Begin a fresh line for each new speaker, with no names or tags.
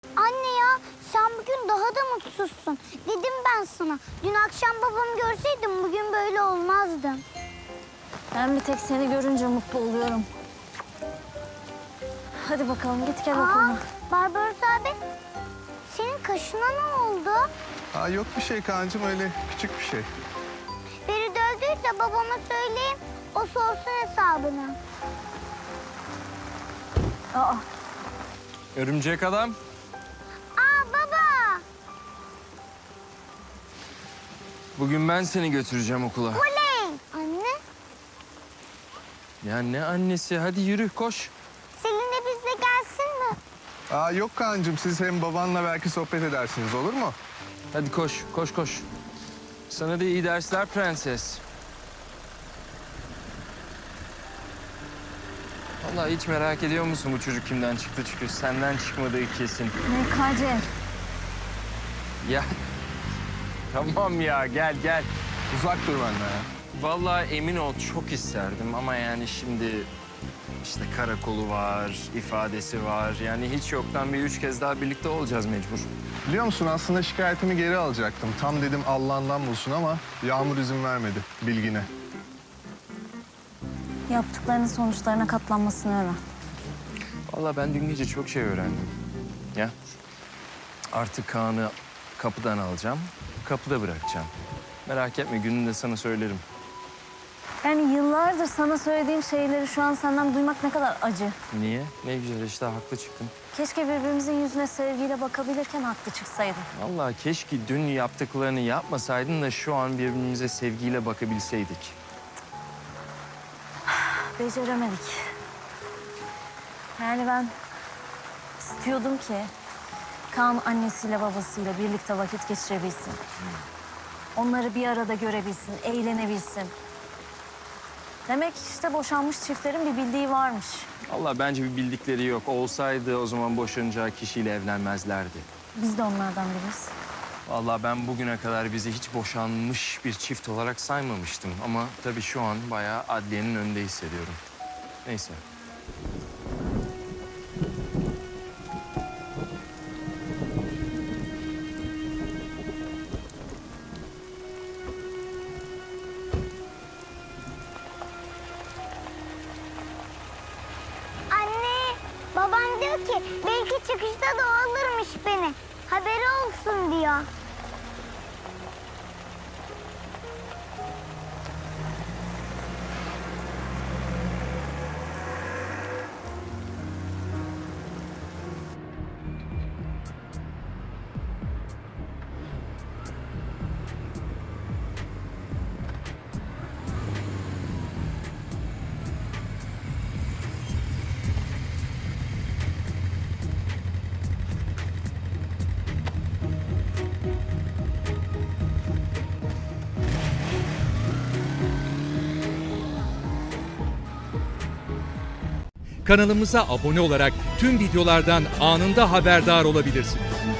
Anne ya, sen bugün daha da mutsuzsun. Dedim ben sana. Dün akşam babamı görseydim bugün böyle olmazdım.
Ben bir tek seni görünce mutlu oluyorum. Hadi bakalım git gel okuluna.
Barbaros abi, senin kaşına ne oldu?
Yok bir şey Kaan'cığım, öyle küçük bir şey.
Biri dövdüyse babama söyleyeyim, o sorsun hesabını.
Aa,
Örümcek adam.
Baba,
Bugün ben seni götüreceğim okula.
oley! Anne,
Ya ne annesi? Hadi yürü koş.
Selin de bizle gelsin mi?
Yok Kaan'cığım, siz hem babanla belki sohbet edersiniz, olur mu?
Hadi koş, koş, koş. Sana da iyi dersler prenses. Vallahi hiç merak ediyor musun bu çocuk kimden çıktı? Çünkü senden çıkmadığı kesin.
MKC.
Ya tamam ya, gel gel.
Uzak dur benden ya.
Vallahi emin ol çok isterdim ama yani şimdi işte karakolu var, ifadesi var. Yani hiç yoktan bir 3 kez daha birlikte olacağız mecbur.
Biliyor musun, aslında şikayetimi geri alacaktım. Tam dedim Allah'ından bulsun ama Yağmur izin vermedi, bilgine.
Yaptıklarının sonuçlarına katlanmasını öğren.
Vallahi ben dün gece çok şey öğrendim. Ya artık Kaan'ı kapıdan alacağım, kapıda bırakacağım. Merak etme, gününde sana söylerim.
Yani yıllardır sana söylediğim şeyleri şu an senden duymak ne kadar acı.
Niye? Ne güzel işte, haklı çıktın.
Keşke birbirimizin yüzüne sevgiyle bakabilirken haklı çıksaydın.
Vallahi keşke dün yaptıklarını yapmasaydın da şu an birbirimize sevgiyle bakabilseydik.
Beceremedik. Yani ben istiyordum ki Kaan annesiyle babasıyla birlikte vakit geçirebilsin. Onları bir arada görebilsin, eğlenebilsin. Demek işte boşanmış çiftlerin bir bildiği varmış.
Vallahi bence bir bildikleri yok. Olsaydı o zaman boşanacağı kişiyle evlenmezlerdi.
Biz de onlardan biriyiz.
Vallahi ben bugüne kadar bizi hiç boşanmış bir çift olarak saymamıştım. Ama tabii şu an bayağı adliyenin önünde hissediyorum. Neyse.
Anne, baban diyor ki belki çıkışta da o alırmış beni. Haberi olsun diyor.
Kanalımıza abone olarak tüm videolardan anında haberdar olabilirsiniz.